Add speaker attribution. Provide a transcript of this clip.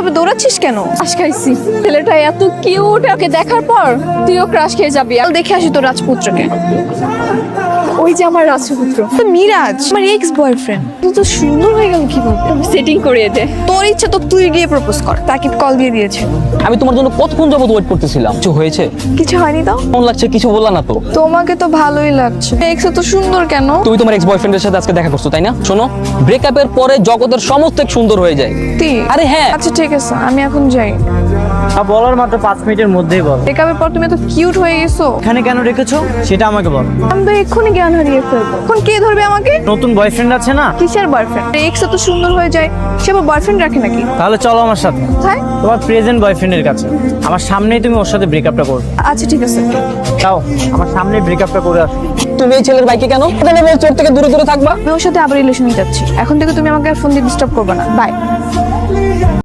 Speaker 1: এভাবে দৌড়াচ্ছিস কেন?
Speaker 2: ক্রাশ খাইছি। ছেলেটা এত কিউট, ওকে দেখার পর তুইও ক্রাশ খেয়ে যাবি।
Speaker 1: চল দেখে আসি তোর রাজপুত্রকে।
Speaker 2: ওই যে আমার রাজপুত্র,
Speaker 1: তো মিরাজ আমার এক্স বয়ফ্রেন্ড।
Speaker 2: তুই তো সুন্দর হয়ে গেল কিভাবে? সেটিং করিয়ে দে।
Speaker 1: তোর ইচ্ছা তো তুই গিয়ে প্রপোজ কর। তাকিব কল দিয়ে দিয়েছে।
Speaker 3: আমি তোমার জন্য কতক্ষণ যাবত ওয়েট করতেছিলাম। কিছু হয়েছে?
Speaker 1: কিছু হয়নি তো?
Speaker 3: কেমন লাগছে কিছু বললা না তো?
Speaker 1: তোমাকে তো ভালোই লাগছে। এক্স তো সুন্দর কেন?
Speaker 3: তুমি তোমার এক্স বয়ফ্রেন্ডের সাথে আজকে দেখা করছো তাই না? শোনো, ব্রেকআপের পরে জগতের সমস্ত এক সুন্দর হয়ে যায়। আরে হ্যাঁ।
Speaker 1: আচ্ছা ঠিক আছে, আমি এখন যাই।
Speaker 4: বলার মাত্র 5 মিনিটের মধ্যেই বল।
Speaker 1: ব্রেকআপের পর তুমি এত কিউট হয়ে গেছো।
Speaker 4: এখানে কেন রেখেছো সেটা আমাকে বল।
Speaker 1: আমি তো এক্ষুনি জ্ঞান হারিয়ে ফেলবো। এখন কে ধরবে আমাকে?
Speaker 4: নতুন বয়ফ্রেন্ড আছে না?
Speaker 1: কিসের বয়ফ্রেন্ড? এক্স তো সুন্দর হয়ে যায়, সে আবার বয়ফ্রেন্ড রাখে নাকি?
Speaker 4: তাহলে চলো আমার সাথে
Speaker 1: কোথায়?
Speaker 4: তোমার প্রেজেন্ট বয়ফ্রেন্ডের কাছে। আমার সামনেই তুমি ওর সাথে ব্রেকআপটা করবে।
Speaker 1: আচ্ছা ঠিক আছে।
Speaker 4: যাও আমার সামনেই ব্রেকআপটা করে আসো।
Speaker 3: তুমি এই ছেলের বাইকে কেন? কেন বলছো ওর থেকে দূরে দূরে থাকবা?
Speaker 1: আমি ওর সাথে আবার রিলেশনে যাচ্ছি। এখন থেকে তুমি আমাকে আর ফোন দিয়ে ডিস্টার্ব করবে না। বাই।